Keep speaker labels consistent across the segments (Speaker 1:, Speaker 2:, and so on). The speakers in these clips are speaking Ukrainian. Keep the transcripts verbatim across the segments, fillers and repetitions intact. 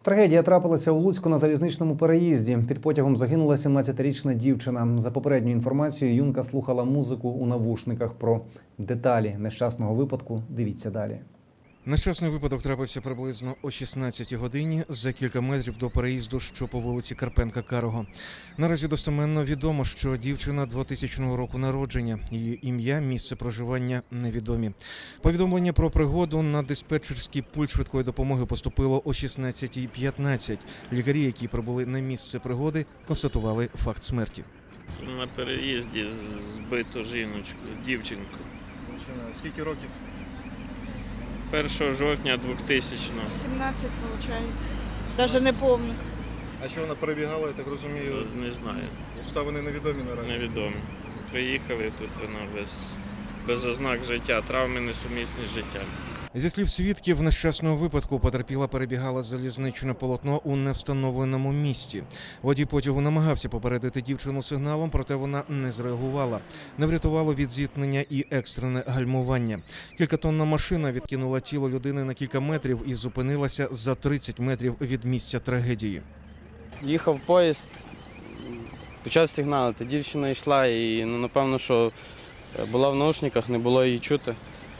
Speaker 1: Трагедія трапилася у Луцьку на залізничному переїзді. Під потягом загинула сімнадцятирічна дівчина. За попередньою інформацією, юнка слухала музику у навушниках. Про деталі нещасного випадку дивіться далі.
Speaker 2: Нещасний випадок трапився приблизно о шістнадцятій годині за кілька метрів до переїзду, що по вулиці Карпенка-Карого. Наразі достеменно відомо, що дівчина двотисячного року народження. Її ім'я, місце проживання невідомі. Повідомлення про пригоду на диспетчерський пульт швидкої допомоги поступило о шістнадцятій п'ятнадцять. Лікарі, які прибули на місце пригоди, констатували факт смерті.
Speaker 3: На переїзді збито жіночку, дівчинку.
Speaker 2: Скільки років?
Speaker 3: першого жовтня двохтисячного.
Speaker 4: сімнадцять, виходить. Навіть не пам'ятаю.
Speaker 2: А що вона перебігала, я так розумію?
Speaker 3: Не знаю,
Speaker 2: Обставини невідомі наразі.
Speaker 3: невідомо. Приїхали, тут вона без, без ознак життя, травми несумісні з життям.
Speaker 2: Зі слів свідків, нещасного випадку потерпіла перебігала залізничне полотно у невстановленому місці. Водій потягу намагався попередити дівчину сигналом, проте вона не зреагувала. Не врятувало від зіткнення і екстрене гальмування. Кількатонна машина відкинула тіло людини на кілька метрів і зупинилася за тридцять метрів від місця трагедії.
Speaker 5: Їхав поїзд, почав сигналити. Дівчина йшла і, ну, напевно, що була в наушниках, не було її чути.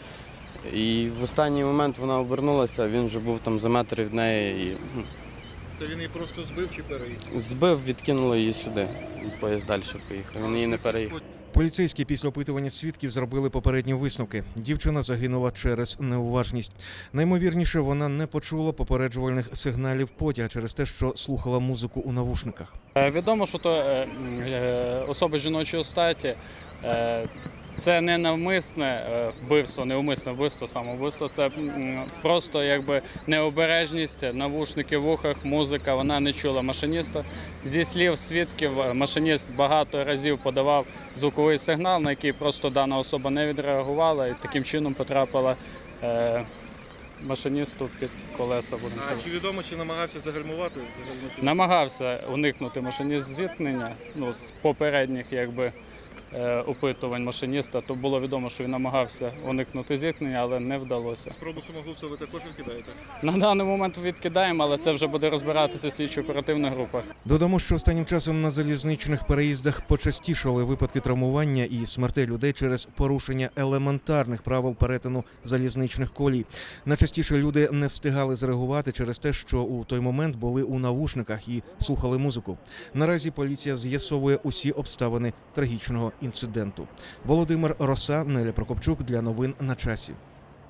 Speaker 5: І в останній момент вона обернулася, він вже був там за метр від неї. І...
Speaker 2: То він її просто збив чи переїхав?
Speaker 5: Збив, відкинуло її сюди. І поїзд далі поїхав, він її не переїхав.
Speaker 2: Поліцейські після опитування свідків зробили попередні висновки. Дівчина загинула через неуважність. Наймовірніше, вона не почула попереджувальних сигналів потяга через те, що слухала музику у навушниках.
Speaker 6: Відомо, що то е, е, особи жіночої статі. Е, Це не навмисне вбивство, неумисне вбивство, самовбивство. Це просто якби необережність, навушники в ухах, музика, вона не чула машиніста. Зі слів свідків, машиніст багато разів подавав звуковий сигнал, на який просто дана особа не відреагувала і таким чином потрапила е, машиністу під колеса.
Speaker 2: А чи відомо, чи намагався загальмувати?
Speaker 6: Намагався уникнути машиніст зіткнення, ну, з попередніх якби опитувань машиніста, то було відомо, що він намагався уникнути зіткнення, але не вдалося.
Speaker 2: Спробу самогубства ви також відкидаєте?
Speaker 6: На даний момент відкидаємо, але це вже буде розбиратися слідчо-оперативна група.
Speaker 2: Додамо, що останнім часом на залізничних переїздах почастішали випадки травмування і смертей людей через порушення елементарних правил перетину залізничних колій. Найчастіше люди не встигали зреагувати через те, що у той момент були у навушниках і слухали музику. Наразі поліція з'ясовує усі обставини трагічного інциденту. Володимир Роса, Неля Прокопчук для новин на часі.